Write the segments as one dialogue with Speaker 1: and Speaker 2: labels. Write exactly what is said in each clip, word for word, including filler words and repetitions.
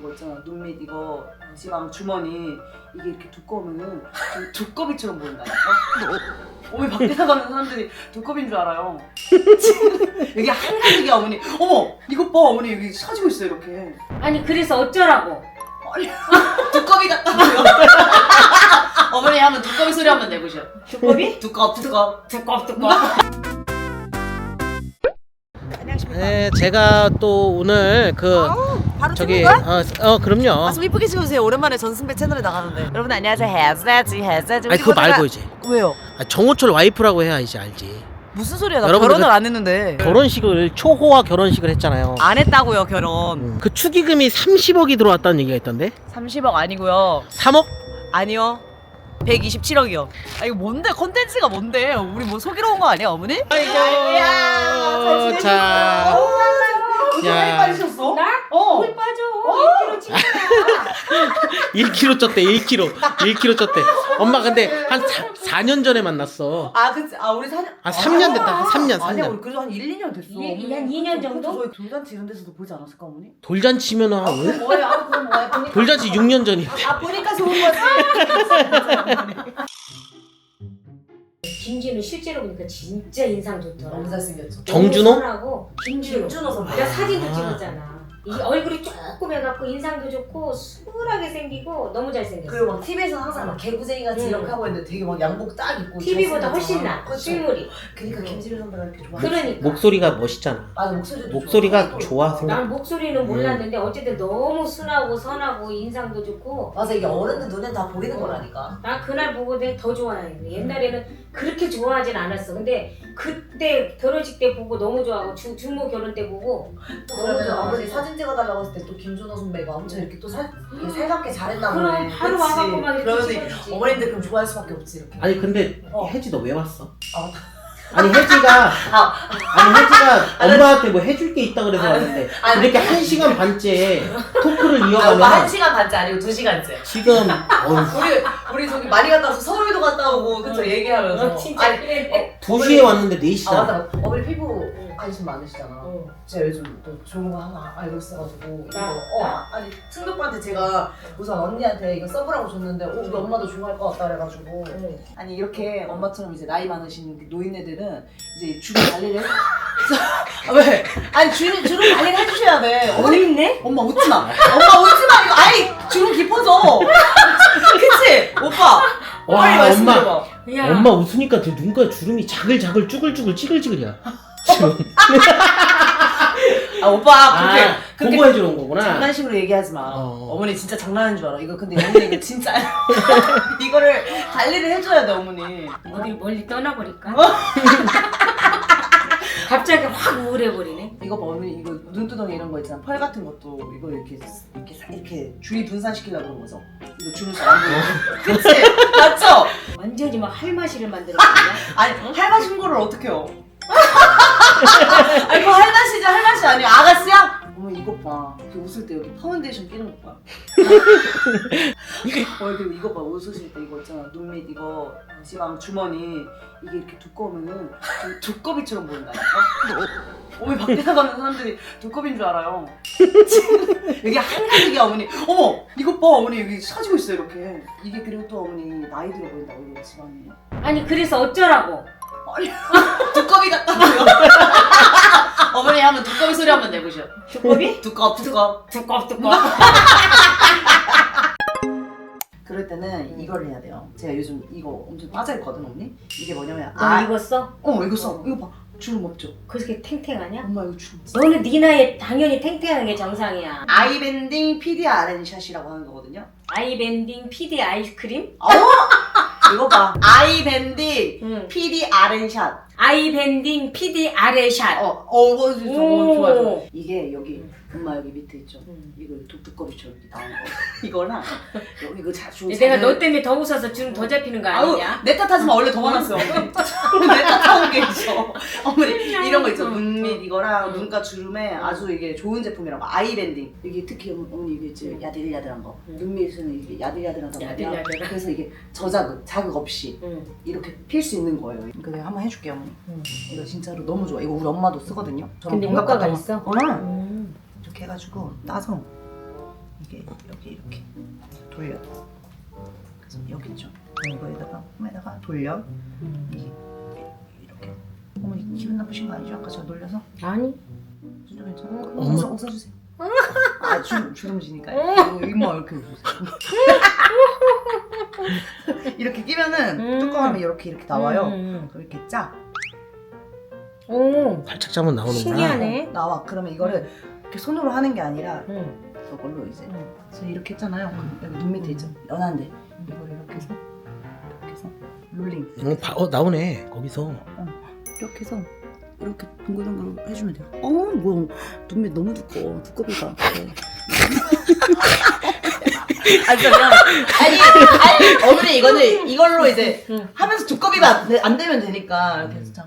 Speaker 1: 이거 있잖아, 눈밑 이거 지방 주머니 이게 이렇게 두꺼우면은 좀 두꺼비처럼 보인다니까? 어머니 밖에 나가는 사람들이 두꺼비인 줄 알아요. 여기 한가득이야 어머니. 어머 이것 봐 어머니 여기 사지고 있어요 이렇게.
Speaker 2: 아니 그래서 어쩌라고?
Speaker 1: 아니 두꺼비 같다고요. 어머니 한번 두꺼비 소리 한번 내보셔.
Speaker 2: 두꺼비?
Speaker 1: 두꺼 두꺼
Speaker 2: 두꺼 두꺼.
Speaker 3: 네, 제가 또 오늘 그
Speaker 4: 아우, 바로
Speaker 3: 저기
Speaker 4: 찍는 거야?
Speaker 3: 어, 어 그럼요.
Speaker 4: 아, 좀 이쁘게 찍어주세요. 오랜만에 전승배 채널에 나가는데. 여러분 안녕하세요. 해야지 해야지.
Speaker 3: 아니 그거 말고 이제
Speaker 4: 왜요?
Speaker 3: 아, 정호철 와이프라고 해야 이제 알지.
Speaker 4: 무슨 소리야? 나
Speaker 3: 여러분들
Speaker 4: 결혼을
Speaker 3: 그-
Speaker 4: 안 했는데.
Speaker 3: 결혼식을 초호화 결혼식을 했잖아요.
Speaker 4: 안 했다고요 결혼.
Speaker 3: 음. 그 축의금이 삼십억이 들어왔다는 얘기가 있던데.
Speaker 4: 삼십억 아니고요.
Speaker 3: 삼억?
Speaker 4: 아니요. 백이십칠억이요. 아 이거 뭔데? 컨텐츠가 뭔데? 우리 뭐 속이러 온 거 아니야 어머니?
Speaker 3: 아이고. 자.
Speaker 1: 어디
Speaker 3: 야.
Speaker 1: 많이 빠지셨어?
Speaker 2: 나?
Speaker 1: 어.
Speaker 2: 물 빠져. 일 킬로그램 찌냐.
Speaker 3: 일 킬로그램 쪘대. 일 킬로그램. 일 킬로그램 쪘대. 엄마 근데 한 사 년 전에 만났어.
Speaker 1: 아 그치 아 우리 사 년
Speaker 3: 아, 삼 년 됐다. 한 삼 년, 삼
Speaker 1: 아니야
Speaker 3: 년.
Speaker 1: 우리 그래도 한 일, 이 년 됐어.
Speaker 2: 일, 한 이 년 정도?
Speaker 1: 저희 돌잔치 이런 데서도 보지 않았을까 어머니?
Speaker 3: 돌잔치면 한 왜?
Speaker 1: 뭐예요? 아 그럼 뭐야? 보니까
Speaker 3: 돌잔치 육 년 전인데.
Speaker 1: 아 보니까 좋은 거지.
Speaker 2: 김진우 실제로 보니까 진짜 인상 좋더라.
Speaker 1: 너무 잘생겼죠.
Speaker 3: 정준호?
Speaker 2: 하고 김준호.
Speaker 1: 김준호 선배.
Speaker 2: 내가 사진도
Speaker 3: 아.
Speaker 2: 찍었잖아. 이 얼굴이 조금 해갖고 인상도 좋고 수월하게 생기고 너무 잘생겼어.
Speaker 1: 그리고 막 티비에서 항상 막 개구쟁이 같이
Speaker 2: 응.
Speaker 1: 이렇게 하고 있는데 되게 막 양복 딱 입고
Speaker 2: 티비보다
Speaker 1: 잘생겼잖아.
Speaker 2: 훨씬 나.
Speaker 1: 그치?
Speaker 2: 실물이.
Speaker 1: 그러니까 김진우 선배가 이렇게 좋아.
Speaker 2: 그러니까.
Speaker 3: 목소리가 멋있잖아.
Speaker 1: 맞아 목소리도
Speaker 3: 목소리가
Speaker 1: 좋아.
Speaker 3: 좋아 생각.
Speaker 2: 난 목소리는 몰랐는데 어쨌든 너무 순하고 선하고 인상도 좋고.
Speaker 1: 맞아 이게 어른들 눈엔 다 보이는 거라니까.
Speaker 2: 난 그날 보고 내가 더 좋아해. 옛날에는 그렇게 좋아하진 않았어. 근데 그때 결혼식 때 보고 너무 좋아하고 주, 주모 결혼 때 보고
Speaker 1: 또
Speaker 2: 너무
Speaker 1: 그러면
Speaker 2: 좋아하고.
Speaker 1: 어머니 사진 찍어달라고 했을 때 또 김준호 선배가 엄청 이렇게 또 살, 이렇게 살갑게 잘했나
Speaker 2: 그럼
Speaker 1: 보네.
Speaker 2: 바로
Speaker 1: 그치?
Speaker 2: 와갖고 막 이렇게
Speaker 1: 그러면서
Speaker 2: 찍어주지.
Speaker 1: 어머님들 그럼 좋아할 수밖에 없지 이렇게.
Speaker 3: 아니 근데
Speaker 1: 어.
Speaker 3: 혜지 너 왜 왔어?
Speaker 1: 아, 맞다.
Speaker 3: 아니 혜지가
Speaker 1: 아.
Speaker 3: 아니 혜지가 엄마한테 뭐 해줄 게 있다 그래서 왔는데
Speaker 1: 아니,
Speaker 3: 이렇게 한 시간 반째 토크를
Speaker 1: 아, 오빠 한
Speaker 3: 이어가면
Speaker 1: 시간 반째 아니고 두 시간째.
Speaker 3: 지금 어휴,
Speaker 1: 우리 우리 저기 많이 갔다 와서 서울도 갔다 오고 그쵸 얘기하면서.
Speaker 2: 어, 진짜
Speaker 1: 아니,
Speaker 2: 그래.
Speaker 3: 두 시에 왔는데 네
Speaker 1: 아
Speaker 3: 시다.
Speaker 1: 맞다. 어머니 피부 관심 많으시잖아.
Speaker 2: 어.
Speaker 1: 제가 요즘 또 좋은 거 하나 알고 있어가지고 이거
Speaker 2: 나?
Speaker 1: 어 아, 아니 승도 오빠한테 제가 우선 언니한테 이거 써보라고 줬는데 어, 우리 엄마도 좋아할 것 같다 그래가지고
Speaker 2: 응.
Speaker 1: 아니 이렇게 엄마처럼 이제 나이 많으신 노인네들은 이제 주름 관리를 해. 아, 왜? 아니 주름 주름 관리를 해주셔야 돼. 어머니
Speaker 2: 어딨네?
Speaker 1: 엄마 웃지 마. 엄마 웃지 마. 이거 아이 주름 깊어져. 그치 오빠.
Speaker 3: 와,
Speaker 1: 빨리 말씀드려봐.
Speaker 3: 엄마 엄마 웃으니까 저 눈가 주름이 자글자글 쭈글쭈글 찌글찌글이야. 지금.
Speaker 1: 아 오빠 그렇게
Speaker 3: 아,
Speaker 1: 그렇게
Speaker 3: 공부해주러 온 거구나.
Speaker 1: 장난식으로 얘기하지 마.
Speaker 3: 어.
Speaker 1: 어머니 진짜 장난하는 줄 알아. 이거 근데 어머니 이거 진짜 이거를 관리를 해줘야 돼 어머니.
Speaker 2: 어딜 멀리 떠나버릴까? 갑자기 확 우울해버리네.
Speaker 1: 이거 봐 어머니 이거 눈두덩이 이런 거 있잖아. 펄 같은 것도 이거 이렇게 이렇게 사- 이렇게 주위 분산시키려고 그런 거죠. 이거 주름 잘안 보여. 그치? 맞죠?
Speaker 2: 완전히 막 할마시를 만들었거든.
Speaker 1: 아니 할맛 신고를 어떻게 해요? 아니 그거 할맛이지 할맛이 아니야. 아가씨야? 어머 이것 봐. 이렇게 웃을 때 여기 파운데이션 끼는 것 봐. 어 그리고 이거 봐 웃으실 때 이거 있잖아 눈밑 이거 지방 주머니 이게 이렇게 두꺼우면은 좀 두꺼비처럼 보인다니까? 어머니 밖에 나가는 사람들이 두꺼비인 줄 알아요. 여기 한가득이야 어머니. 어머 이것 봐 어머니 여기 사지고 있어요 이렇게. 이게 그리고 또 어머니 나이 들어 보인다고 이거 지방이.
Speaker 2: 아니 그래서 어쩌라고?
Speaker 1: 아니 두꺼비 같다고요. 어머니 한번 두꺼비 소리 한번 내보셔.
Speaker 2: 두꺼비?
Speaker 1: 두꺼 두꺼.
Speaker 2: 두꺼 두꺼.
Speaker 1: 그럴 때는 이걸 해야 돼요. 제가 요즘 이거 엄청 빠져있거든 언니. 이게 뭐냐면
Speaker 2: 너
Speaker 1: 아
Speaker 2: 이거 써?
Speaker 1: 어 이거 써. 이거 봐. 주름 없죠?
Speaker 2: 그렇게 탱탱하냐?
Speaker 1: 엄마 이거 주름 없어.
Speaker 2: 너는 네 나이에 당연히 탱탱한 게 정상이야.
Speaker 1: 아이밴딩 피디알엔 샷이라고 하는 거거든요.
Speaker 2: 아이밴딩 피디 아이스크림?
Speaker 1: 어? 이거 봐. 아이밴딩
Speaker 2: 응.
Speaker 1: 피디알엔 샷.
Speaker 2: 아이밴딩 피디 아레샷.
Speaker 1: 어, 어, 이거 진짜
Speaker 2: 오.
Speaker 1: 어, 좋아, 좋아. 이게 여기 엄마 여기 밑에 있죠.
Speaker 2: 응.
Speaker 1: 이거 두꺼비처럼 이렇게 나온 거. 이거랑 여기 이거 자주.
Speaker 2: 내가 너 때문에 더 웃어서 주름 더 잡히는 거 아니냐?
Speaker 1: 내 탓하지 마. 원래 더 많았어. 내 탓하는 게 있어. 어머니 이런 거 있죠.
Speaker 2: 응,
Speaker 1: 눈밑
Speaker 2: 응.
Speaker 1: 이거랑
Speaker 2: 응.
Speaker 1: 눈가 주름에 아주 이게 좋은 제품이라고. 아이밴딩. 이게 특히 어머니 이게 이제 야들야들한 거.
Speaker 2: 응.
Speaker 1: 눈밑은 이게 야들야들하단 말이야.
Speaker 2: 야들야들한.
Speaker 1: 그래서 이게 저자극, 자극 없이
Speaker 2: 응.
Speaker 1: 이렇게 필 수 있는 거예요. 그러니까 내가 한번 해줄게요, 어머니.
Speaker 2: 응.
Speaker 1: 이거 진짜로 너무 좋아. 이거 우리 엄마도 쓰거든요. 저랑
Speaker 2: 근데
Speaker 1: 동갑
Speaker 2: 효과가
Speaker 1: 같은 거.
Speaker 2: 있어?
Speaker 1: 어.
Speaker 2: 음.
Speaker 1: 이렇게 해가지고 따서 이게 돌려. 그래서 여기 있죠. 이거에다가 홈에다가 돌려. 이게 이렇게. 어머니 기분 나쁘신 거 아니죠? 아까 저 놀려서?
Speaker 2: 아니.
Speaker 1: 진짜 괜찮아?
Speaker 3: 엄마.
Speaker 1: 웃어, 웃어주세요. 아 주, 주름지니까 이모 이렇게 웃으세요. 이렇게 끼면은
Speaker 2: 음.
Speaker 1: 뚜껑하면 이렇게 이렇게 나와요.
Speaker 2: 음.
Speaker 1: 그럼 이렇게 짜.
Speaker 2: 오.
Speaker 3: 살짝 잡으면 나오는구나.
Speaker 2: 신기하네.
Speaker 1: 나와. 그러면 이거를 이렇게 손으로 하는 게 아니라
Speaker 2: 응.
Speaker 1: 이걸로 이제
Speaker 2: 응.
Speaker 1: 그래서 이렇게 했잖아요.
Speaker 2: 음.
Speaker 1: 여기 눈 밑에 있죠. 연한데 이걸 이렇게 해서 이렇게 해서 롤링
Speaker 3: 어, 바, 어 나오네 거기서.
Speaker 1: 이렇게 해서 이렇게 동글동글 해주면 돼요. 어, 뭐 눈밑 너무 두꺼워. 두꺼비가. 네. 아 진짜 미안해. 아니 아니 어머니 이거는 이걸로 이제
Speaker 2: 응.
Speaker 1: 하면서 두꺼비가 안, 되- 안 되면 되니까 이렇게 해서 참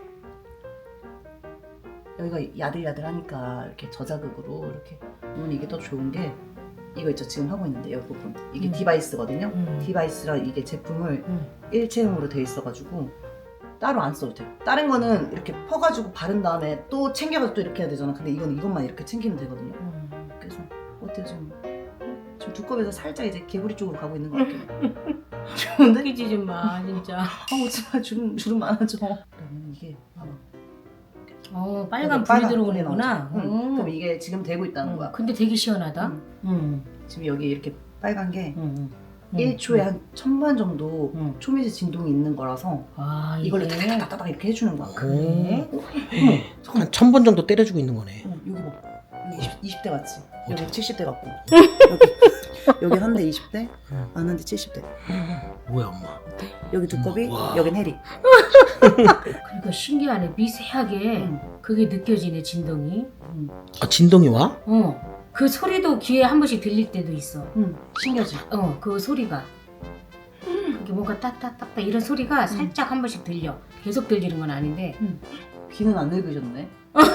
Speaker 1: 여기가 야들야들하니까 이렇게 저자극으로 이렇게 어머니 이게 더 좋은 게 이거 있죠 지금 하고 있는데 이 부분 이게
Speaker 2: 음.
Speaker 1: 디바이스거든요.
Speaker 2: 음.
Speaker 1: 디바이스라 이게 제품을
Speaker 2: 음.
Speaker 1: 일체형으로 돼 있어가지고 따로 안 써도 돼요. 다른 거는 이렇게 퍼가지고 바른 다음에 또 챙겨가지고 또 이렇게 해야 되잖아. 근데 이건 이것만 이렇게 챙기면 되거든요.
Speaker 2: 음.
Speaker 1: 그래서 어때요 지금? 지금 두꺼비에서 살짝 이제 개구리 쪽으로 가고 있는 것 같아요. 좋은데?
Speaker 2: 웃기지 좀 마, 진짜.
Speaker 1: 아 오지마 주름 주름 많아져. 그러면 이게 봐봐.
Speaker 2: 어, 빨간
Speaker 1: 여기
Speaker 2: 불이
Speaker 1: 빨간
Speaker 2: 들어오는구나.
Speaker 1: 불이 나오죠. 응.
Speaker 2: 음.
Speaker 1: 그럼 이게 지금 되고 있다는
Speaker 2: 음.
Speaker 1: 거야.
Speaker 2: 근데 되게 시원하다.
Speaker 1: 음.
Speaker 2: 음.
Speaker 1: 지금 여기 이렇게 빨간 게
Speaker 2: 음. 음.
Speaker 1: 일 초에 한 천번 정도
Speaker 2: 음.
Speaker 1: 초미세 진동이 있는 거라서
Speaker 2: 아,
Speaker 1: 이걸로
Speaker 2: 이게.
Speaker 1: 따닥따닥따닥 이렇게 해주는 거야.
Speaker 2: 그래?
Speaker 3: 한 천 번 정도 때려주고 있는 거네.
Speaker 1: 어, 여기 봐. 여기 이십, 이십 대 같지? 여기
Speaker 3: 어디?
Speaker 1: 칠십 대 같고. 여기 여기 한 대 이십 대,
Speaker 3: 응.
Speaker 1: 안 한 대 칠십 대.
Speaker 3: 뭐야 엄마.
Speaker 1: 여기 두꺼비,
Speaker 3: 우와.
Speaker 1: 여긴 해리.
Speaker 2: 그러니까 신기하네. 미세하게
Speaker 1: 응.
Speaker 2: 그게 느껴지네, 진동이.
Speaker 1: 응.
Speaker 3: 아 진동이 와?
Speaker 2: 어. 그 소리도 귀에 한 번씩 들릴 때도 있어.
Speaker 1: 응. 신기하지?
Speaker 2: 어, 그 소리가. 그게 뭔가 따따따따 이런 소리가 살짝 한 번씩 들려. 계속 들리는 건 아닌데.
Speaker 1: 귀는 안 늙으셨네.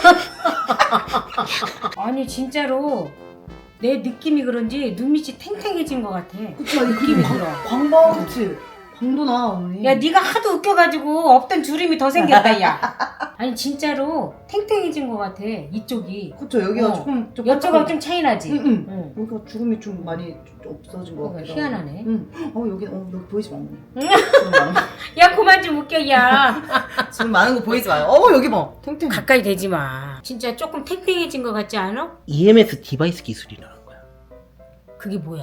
Speaker 2: 아니, 진짜로 내 느낌이 그런지 눈밑이 탱탱해진 것 같아.
Speaker 1: 그쵸?
Speaker 2: 느낌이 들어.
Speaker 1: 광범, 그치? 광도 나, 언니.
Speaker 2: 야, 네가 하도 웃겨가지고 없던 주름이 더 생겼다, 야. 아니, 진짜로 탱탱해진 것 같아, 이쪽이.
Speaker 1: 그쵸? 여기가
Speaker 2: 어.
Speaker 1: 조금, 좀.
Speaker 2: 여쪽하고 좀 차이 나지?
Speaker 1: 응, 응.
Speaker 2: 응.
Speaker 1: 여기가 주름이 좀 많이 좀 없어진 것
Speaker 2: 그거
Speaker 1: 같기도
Speaker 2: 희한하네.
Speaker 1: 응. 어, 여기, 어, 여기 보이지 마, 언니.
Speaker 2: 응?
Speaker 1: 주름 많은 거.
Speaker 2: 야, 그만 좀 웃겨, 야.
Speaker 1: 주름 많은 거 보이지 마요. 어, 여기 봐. 탱탱.
Speaker 2: 가까이 대지 마. 진짜 조금 탱탱해진 것 같지 않아?
Speaker 3: 이엠에스 디바이스 기술이라는 거야.
Speaker 2: 그게 뭐야?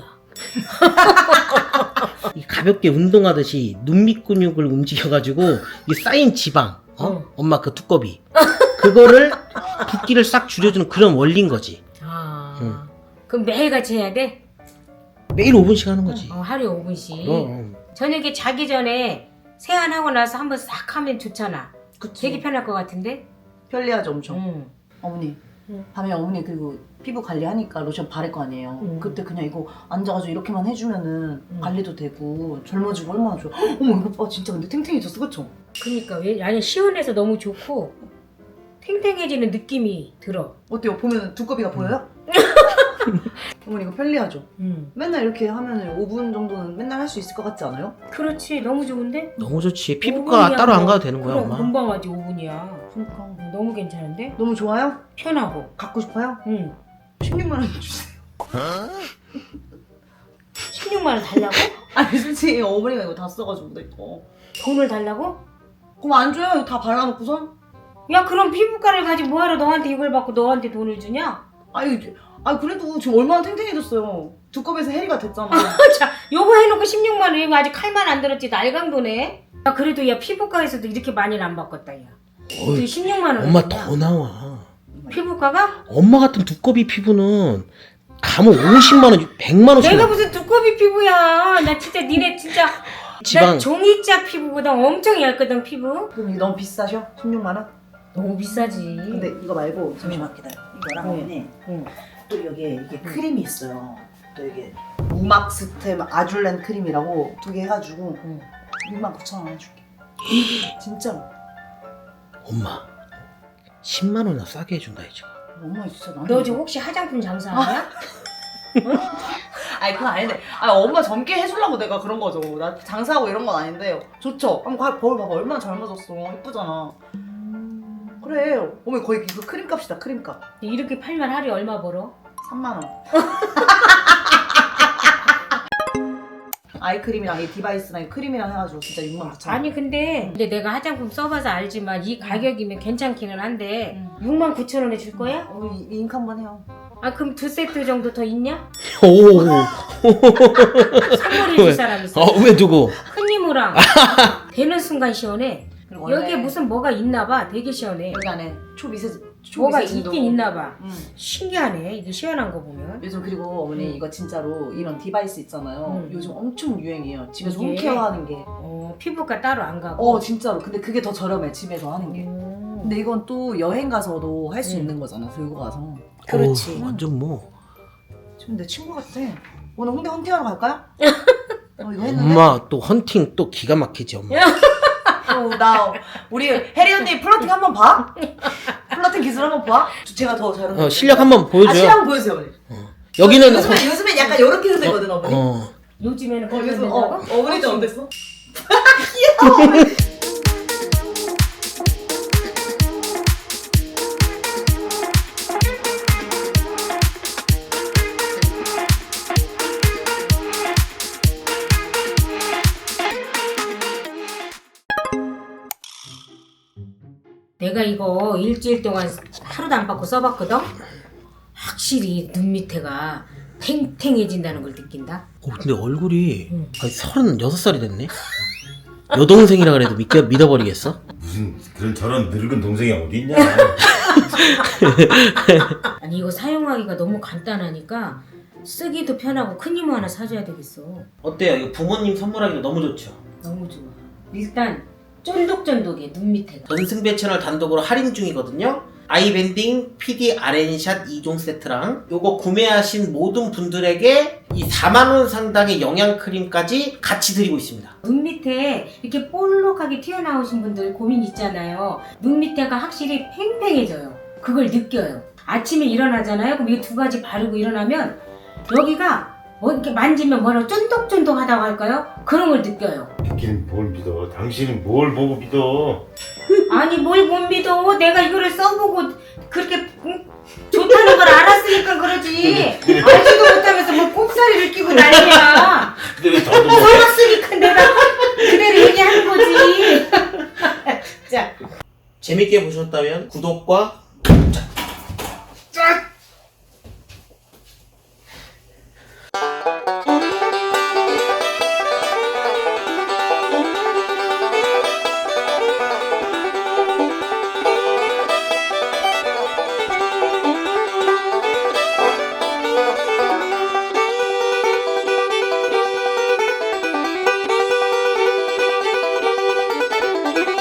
Speaker 3: 이 가볍게 운동하듯이 눈밑 근육을 움직여가지고 이 쌓인 지방, 어?
Speaker 2: 어.
Speaker 3: 엄마 그 두꺼비, 그거를 붓기를 싹 줄여주는 그런 원리인 거지.
Speaker 2: 아.
Speaker 3: 응.
Speaker 2: 그럼 매일같이 해야 돼?
Speaker 3: 매일 오 분씩 하는 거지.
Speaker 2: 어, 하루에 오 분씩.
Speaker 3: 그럼.
Speaker 2: 저녁에 자기 전에 세안하고 나서 한번 싹 하면 좋잖아.
Speaker 1: 그치.
Speaker 2: 되게 편할 것 같은데?
Speaker 1: 편리하죠, 엄청.
Speaker 2: 응.
Speaker 1: 어머니.
Speaker 2: 응.
Speaker 1: 밤에 어머니 그리고 피부 관리하니까 로션 바를 거 아니에요.
Speaker 2: 응.
Speaker 1: 그때 그냥 이거 앉아가지고 이렇게만 해주면은
Speaker 2: 응.
Speaker 1: 관리도 되고 젊어지고 얼마나 좋아. 헉, 어머 이거 봐 진짜 근데 탱탱해졌어 그쵸?
Speaker 2: 그니까 왜 아니 시원해서 너무 좋고 탱탱해지는 느낌이 들어.
Speaker 1: 어때요? 보면 두꺼비가 보여요? 어머니 이거 편리하죠?
Speaker 2: 응.
Speaker 1: 맨날 이렇게 하면 오 분 정도는 맨날 할 수 있을 것 같지 않아요?
Speaker 2: 그렇지 너무 좋은데?
Speaker 3: 너무 좋지.
Speaker 2: 오
Speaker 3: 피부과
Speaker 2: 분이야,
Speaker 3: 따로 안
Speaker 2: 뭐.
Speaker 3: 가도 되는 거야,
Speaker 2: 그럼
Speaker 3: 엄마.
Speaker 2: 금방 하지 오 분이야.
Speaker 1: 그러니까
Speaker 2: 너무 괜찮은데?
Speaker 1: 너무 좋아요?
Speaker 2: 편하고.
Speaker 1: 갖고 싶어요?
Speaker 2: 응.
Speaker 1: 십육만 원 주세요.
Speaker 2: 십육만 원 달라고?
Speaker 1: 아니 솔직히 어머니가 이거 다 써가지고 내 거.
Speaker 2: 돈을 달라고?
Speaker 1: 그럼 안 줘요? 이거 다 발라놓고선?
Speaker 2: 야 그럼 피부과를 가지 뭐하러 너한테 이걸 받고 너한테 돈을 주냐?
Speaker 1: 아니, 아 그래도 지금 얼마나 탱탱해졌어요. 두꺼비에서 해리가 됐잖아.
Speaker 2: 자 요거 해놓고 십육만 원이면 아직 칼만 안 들었지 날강도네. 야 그래도 야 피부과에서도 이렇게 많이는 안 바꿨다 야. 어떻게
Speaker 3: 어이,
Speaker 2: 십육만 원
Speaker 3: 엄마 더 나와.
Speaker 2: 피부과가?
Speaker 3: 엄마 같은 두꺼비 피부는 가면 오십만 원, 백만 원씩.
Speaker 2: 내가 무슨 두꺼비 피부야. 나 진짜 니네 진짜
Speaker 3: 지방.
Speaker 2: 나 종이짝 피부보다 엄청 얇거든 피부.
Speaker 1: 그럼 이게 너무 비싸셔? 십육만 원?
Speaker 2: 너무 비싸지.
Speaker 1: 근데 이거 말고 잠시만 기다려. 이거랑
Speaker 2: 응.
Speaker 1: 언니
Speaker 2: 응.
Speaker 1: 또 여기에 이게 크림이 있어요. 또 이게 우막스템 아줄렌 크림이라고 두 개 해가지고
Speaker 2: 응.
Speaker 1: 육만 구천 원 해줄게. 진짜로.
Speaker 3: 엄마 십만 원이나 싸게 해준다 이제.
Speaker 1: 엄마 진짜 나는.
Speaker 2: 너 지금 혹시 화장품 장사하냐?
Speaker 1: 아니 그건 아닌데. 아니 엄마 젊게 해주려고 내가 그런 거죠. 나 장사하고 이런 건 아닌데 좋죠. 한번 가- 거울 봐봐 얼마나 젊어졌어. 예쁘잖아. 그래. 어머니 거의 이거 크림값이다 크림값.
Speaker 2: 이렇게 팔면 하루에 얼마 벌어?
Speaker 1: 삼만 원. 아이크림이랑 이 디바이스랑 이 크림이랑 해가지고 진짜 육만 구천 원.
Speaker 2: 아니 근데 근데 내가 화장품 써봐서 알지만 이 가격이면 괜찮기는 한데 육만 구천 원에 줄 거야?
Speaker 1: 우리 이- 잉크 한번 해요.
Speaker 2: 아 그럼 두 세트 정도 더 있냐?
Speaker 3: 오.
Speaker 2: 선물해 줄 사람 있어.
Speaker 3: 어, 왜 두고?
Speaker 2: 큰 이모랑 되는 순간 시원해.
Speaker 1: 그리고 원래
Speaker 2: 여기에 무슨 뭐가 있나 봐. 되게 시원해.
Speaker 1: 여기 안에 초미세
Speaker 2: 뭐가
Speaker 1: 초미세진도
Speaker 2: 있긴 있나 봐.
Speaker 1: 음.
Speaker 2: 신기하네. 이게 시원한 거 보면.
Speaker 1: 요즘 그리고 어머니
Speaker 2: 음.
Speaker 1: 이거 진짜로 이런 디바이스 있잖아요.
Speaker 2: 음.
Speaker 1: 요즘 엄청 유행이에요. 집에서
Speaker 2: 이게?
Speaker 1: 홈케어 하는 게.
Speaker 2: 어, 피부과 따로 안 가고.
Speaker 1: 어 진짜로. 근데 그게 더 저렴해 집에서 하는 게.
Speaker 2: 음.
Speaker 1: 근데 이건 또 여행 가서도 할 수
Speaker 2: 음.
Speaker 1: 있는 거잖아. 들고 가서.
Speaker 2: 그렇지.
Speaker 3: 오, 완전 뭐.
Speaker 1: 지금 내 친구 같아. 오늘 홍대 헌팅하러 갈까요? 어, 이거 했는데.
Speaker 3: 엄마 또 헌팅 또 기가 막히지 엄마.
Speaker 1: 어, 나 우리 혜리 언니 플러팅 한번 봐? 플러팅 기술 한번 봐? 제가 더 잘하는
Speaker 3: 어, 실력 한번
Speaker 1: 아
Speaker 3: 보여줘요.
Speaker 1: 실력 한번 보여주세요 어머니.
Speaker 3: 여기는
Speaker 1: 요즘에 요즘에 약간 이렇게 흔들거든 어머니.
Speaker 3: 어.
Speaker 2: 요즘에는
Speaker 1: 어,
Speaker 2: 그렇게
Speaker 1: 그래서
Speaker 2: 된다고?
Speaker 1: 어, 어머니 좀 어땠어?
Speaker 2: 내가 이거 일주일 동안 하루도 안 받고 써봤거든? 확실히 눈 밑에가 탱탱해진다는 걸 느낀다.
Speaker 3: 어, 근데 얼굴이
Speaker 2: 응.
Speaker 3: 아니, 서른여섯 살이 됐네? 여동생이라 그래도 믿겨, 믿어버리겠어?
Speaker 5: 무슨 그런 저런 늙은 동생이 어디 있냐?
Speaker 2: 아니 이거 사용하기가 너무 간단하니까 쓰기도 편하고 큰 이모 하나 사줘야 되겠어.
Speaker 3: 어때요? 이거 부모님 선물하기도 너무 좋죠?
Speaker 2: 너무 좋아. 일단 쫀득쫀득해 눈 밑에가.
Speaker 3: 전승배 채널 단독으로 할인 중이거든요. 아이밴딩 피디 아렌샷 이 종 세트랑 요거 구매하신 모든 분들에게 이 사만 원 상당의 영양크림까지 같이 드리고 있습니다.
Speaker 2: 눈 밑에 이렇게 볼록하게 튀어나오신 분들 고민 있잖아요. 눈 밑에가 확실히 팽팽해져요. 그걸 느껴요. 아침에 일어나잖아요. 그럼 이 두 가지 바르고 일어나면 여기가 뭐 이렇게 만지면 뭐라고 쫀득쫀득하다고 할까요? 그런 걸 느껴요.
Speaker 5: 믿긴 뭘 믿어? 당신은 뭘 보고 믿어?
Speaker 2: 아니 뭘 못 믿어. 내가 이거를 써보고 그렇게 응? 좋다는 걸 알았으니까 그러지. 알지도 못하면서 뭐 꼽사리를 끼고 난리야.
Speaker 5: 근데 왜 더듬어?
Speaker 2: 써봤으니까 내가 그대로 얘기하는 거지. 자.
Speaker 3: 재밌게 보셨다면 구독과